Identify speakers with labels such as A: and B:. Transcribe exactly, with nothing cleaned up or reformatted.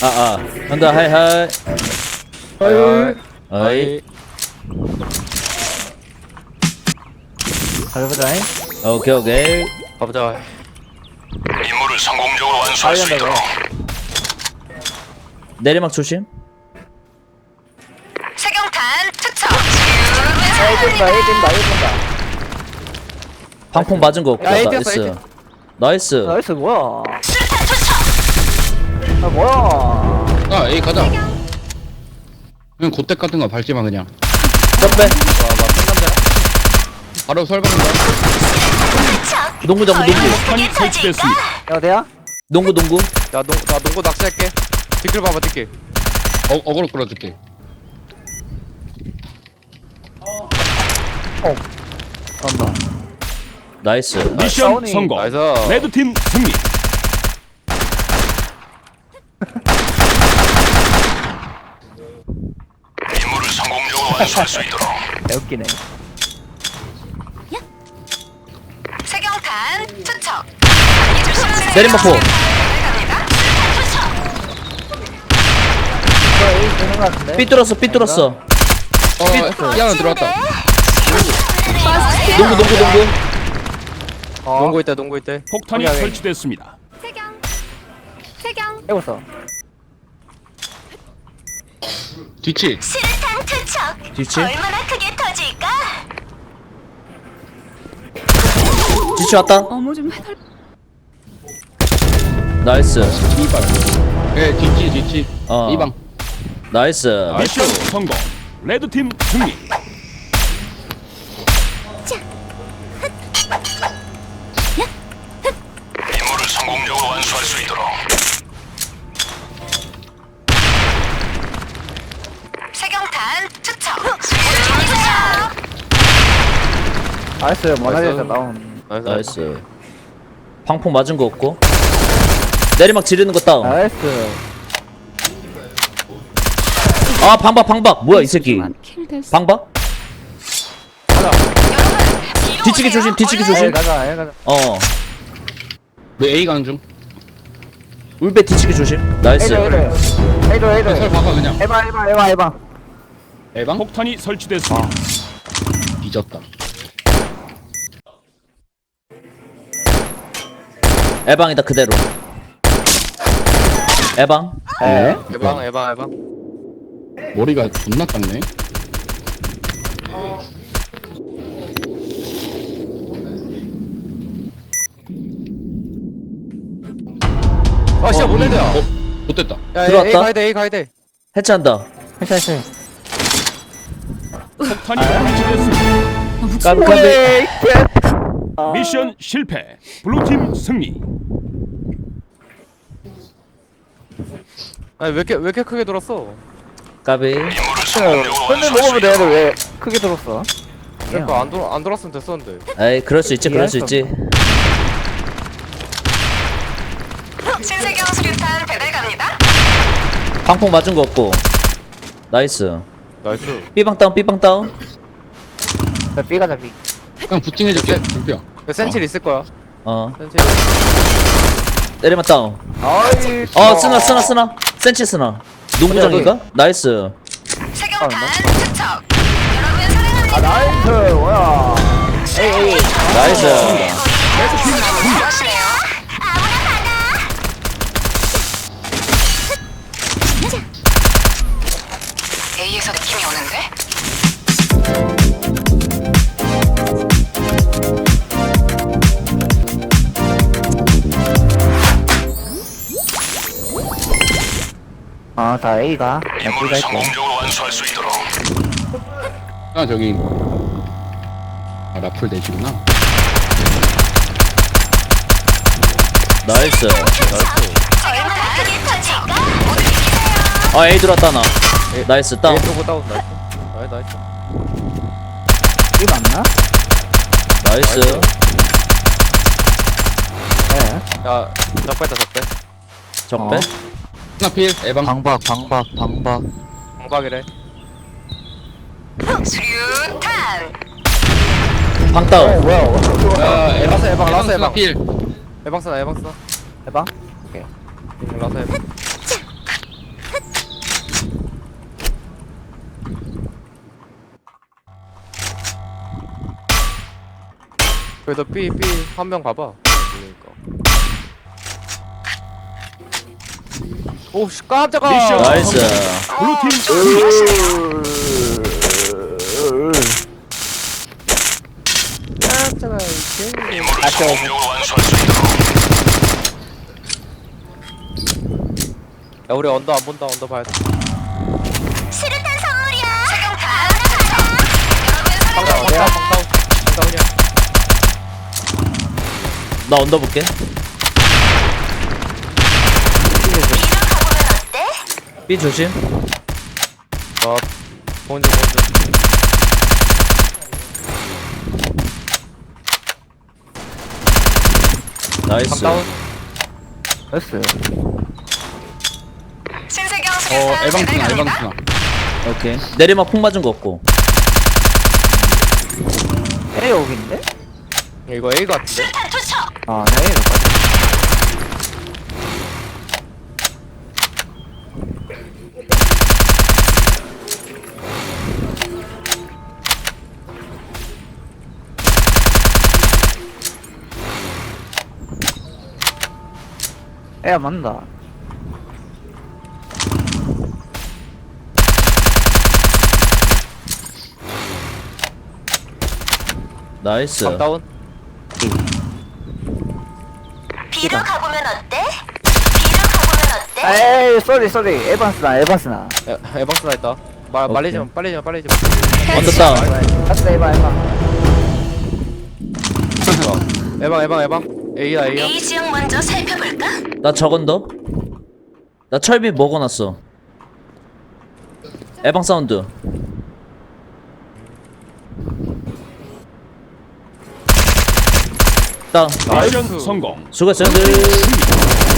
A: 아아 한다 하이하이
B: 하이.
A: 어이
B: 가보자잉.
A: 오케이 오케이
C: 가보자.
D: 임무를 성공적으로 완수할 수 있도록
A: 내리막 조심
E: 세경탄 투척.
B: A 뛴다, A 뛴다, A 뛴다.
A: 방폭 맞은 거 없고
C: 야, 에이
A: 나이스
C: 뛰었어,
A: 나이스
B: 나이스, 뭐야.
E: 수류탄 투척.
B: 아, 뭐야.
F: 아, 에이 가자. 그냥 곧대 같은 거 밟지 마 그냥.
A: 점빼
F: 바로 설방한다.
E: 투척.
A: 농구 잡고 농구
E: 얼마나 크게 터질까?
B: 야, 어디야?
A: 농구 농구
C: 야, 농, 나 농구 낚시할게. 뒷길 봐봐, 뒷길.
F: 어, 어그로 끌어줄게.
B: 간다.
A: 나이스
G: 미션
B: 다운이.
G: 성공.
C: 나이스.
G: 레드팀 승리.
D: 임무를 성공적으로 완수할 수 있도록
B: 개웃기네.
E: 세경탄 투척. 많이 조심하세요.
A: 내리막포.
E: 갑니다.
B: 저 A 뛰는 거 같은데?
A: 삐뚤었어 삐뚤었어
F: 어, 야, 나 들어왔다.
A: 농구 농구 농구
B: 어,
C: 농구 있대, 농구 있대.
G: 폭탄이
C: 확인하게.
G: 설치됐습니다.
E: 세경. 세경.
B: 해봤어.
F: 뒤치.
E: 수류탄 투척.
A: 뒤치
E: 얼마나 크게 터질까?
A: 뒤치 왔다
E: 어머 좀 해달.
A: 나이스
F: 이발. 예, 뒤치, 뒤치.
A: 어.
F: 이방.
A: 나이스
G: 미션 성공. 레드팀 승리.
D: 임무를 성공적으로 완수할 수 있도록
E: 세경탄 투척. 투척.
B: 나이스, 모나리자 다운.
C: 나이스.
A: 나이스 방폭 맞은 거 없고 내리막 지르는 거 다운
B: 나이스.
A: 아 방박 방박 뭐야 이 새끼 방박 뒤치기 조심 뒤치기
B: A
A: 조심
B: 가자, A 가자.
A: 어
F: 왜 A 가는 중?
A: 울베 뒤치기 조심 나이스
B: A도, A도. A도,
F: 설
B: A도.
F: 봐봐 그냥.
B: 해봐, 해봐, 해봐, 해봐.
F: A방?
G: 폭탄이 설치됐습니다.
F: 뒤졌다.
A: 에방이다 그대로 에방
B: 에?
C: 에방, 에방, 에방.
F: 머리가 존나 깎네.
C: 아, 진짜 못 내려.
F: 어, 못됐다.
C: 야,
A: 들어왔다.
C: A 가야 돼, A 가야 돼.
A: 해체한다
B: 해체, 해체.
G: 폭탄이 설치됐습니다.
A: 까비 까비
B: 오이, 개.
G: 미션 실패. 블루팀 승리.
C: 아니, 왜 이렇게, 왜 이렇게 크게 들었어?
A: 까비
D: 임무를 성공적으로
B: 근데
D: 완수할 수
B: 먹으면
D: 있도록
B: 애들 왜 크게 들었어?
C: 그러니까 안, 돌, 안 돌았으면 됐었는데.
A: 에이 그럴 수 있지 그럴 수 있지
E: 신세경 수류탄 배달 갑니다.
A: 방폭 맞은 거 없고 나이스
C: 나이스.
A: 삐방 다운 삐방 다운
B: 야, B 가자, B.
F: 그냥 부팅해줄게. 불뼈.
C: 센칠 있을 거야.
A: 어
C: 센칠.
A: 내리막 다운
B: 아이,
A: 어 쓰나 쓰나 쓰나 센치 쓰나 농구장인가? 나이스
E: 세경탄 투척. 여러분 사랑합니다.
B: 아, 나이스, 뭐야. 에이, 에이.
A: 나이스
E: 잘하시네요. 아무나 받아. A에서 느낌이 오는데?
B: 아, 다 A가. 야, B
D: 임무를
B: 갈게.
D: 성공적으로 완수할 수 있도록
F: 아, 저기. 아, 라플 내시구나.
A: 나이스
E: 얼마나 크게 터질까? 모두 비키세요.
A: 아 A 들어왔다 나 나이스 다운
C: A 쏘고 다운, 나이스. 나이스, 나이스.
B: B 맞나?
A: 나이스
B: 네.
C: 야, 적배다, 적배.
A: 적배
B: 어.
F: 하나 필. A방.
B: 방박, 방박, 방박.
C: 방박이래.
E: 수류탄.
A: 방
B: 어,
A: 다운
B: 뭐야.
F: 야, 에방.
C: 라스 에방, 라스
F: 에방
C: 에방.
F: 필.
C: 에방 쓰나, 에방 쓰나.
B: 해봐.
C: 라스 에방. 그래도 B B 한 명 가봐. 모르니까. 오씨 깜짝아.
G: 미션
A: 나이스.
G: 블루팀
C: 깜짝아. 이게.
D: 임무를 성공적으로 완수할 수 있도록.
C: 야 우리 언더 안 본다. 언더 봐야 돼.
E: 수류탄 선물이야. 지금
C: 방다운 방다운 방다운 방다운이야.
A: 나 언더 볼게.
E: 가보면 어때?
A: B 조심.
C: 어 본즈 본즈.
A: 나이스.
C: 방다운.
B: 됐어요.
E: 신세경
F: 어
E: 수류탄
F: 에방스나
E: 제대로 갑니다.
F: 에방스나.
A: 오케이. 내리막 폭 맞은 거 없고.
B: A 여기인데?
C: 이거 A 같은데?
E: 수류탄 투척.
B: 아, 네, A가 빠져. A야 맞다.
A: 나이스.
C: 방다운.
E: B로 가보면 어때? B로 가보면 어때?
B: 에이, 쏘리, 쏘리. 에반스나, 에반스나.
C: 에, 에방스나 있다. 말
A: 오케이.
C: 말리지 마. 빨리지 마. 빨리지 마.
A: 언더 다운.
B: 갔다, 에반, 에반.
C: 에방 에방 에방. A야 A야.
E: A 지역 먼저 살펴볼까?
A: 나 저건더. 나 철비 먹어놨어. 에방 사운드. 다운.
G: 미션 성공.
A: 수고했어요. 들.
G: 승리.